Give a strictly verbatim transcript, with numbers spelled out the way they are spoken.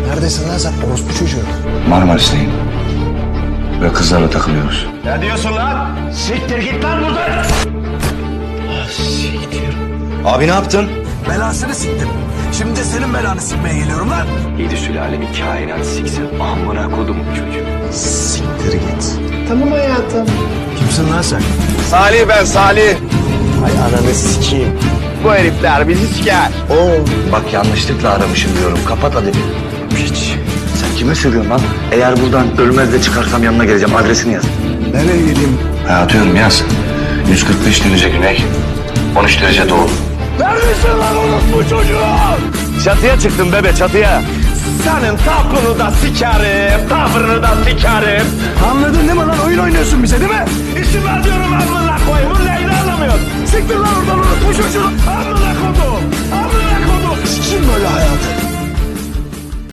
Neredesin lan sen orospu çocuğu? Marmaris'teyim. Ve kızlarla takılıyoruz. Ne diyorsun lan? Siktir git lan buradan! Abi ne yaptın? Belasını siktim. Şimdi de senin belanı sikmeye geliyorum lan. Yedi sülalemi kainat siksin. Amına kodum çocuğu. Siktir git. Tamam hayatım. Kimsin lan sen? Salih ben Salih. Ay ananı sikeyim. Bu herifler bizi siker. Oo, bak yanlışlıkla aramışım diyorum. Kapat hadi bir. Hiç. Sen kime söylüyorsun lan? Eğer buradan ölmez de çıkarsam yanına geleceğim. Adresini yaz. Nereye geleyim? Ha, atıyorum yaz. yüz kırk beş derece güney. on üç derece doğu. Neredesin lan orospu çocuğu? Çatıya çıktım bebe çatıya. Senin tapını da sikerim, tavrını da sikerim. Anladın değil mi lan? Oyun oynuyorsun bize değil mi? İşim var diyorum amına koyayım. Bu neyini anlamıyorsun? Siktir lan oradan orospu çocuğu. Amına kodum, amına kodum. Kim böyle hayatı?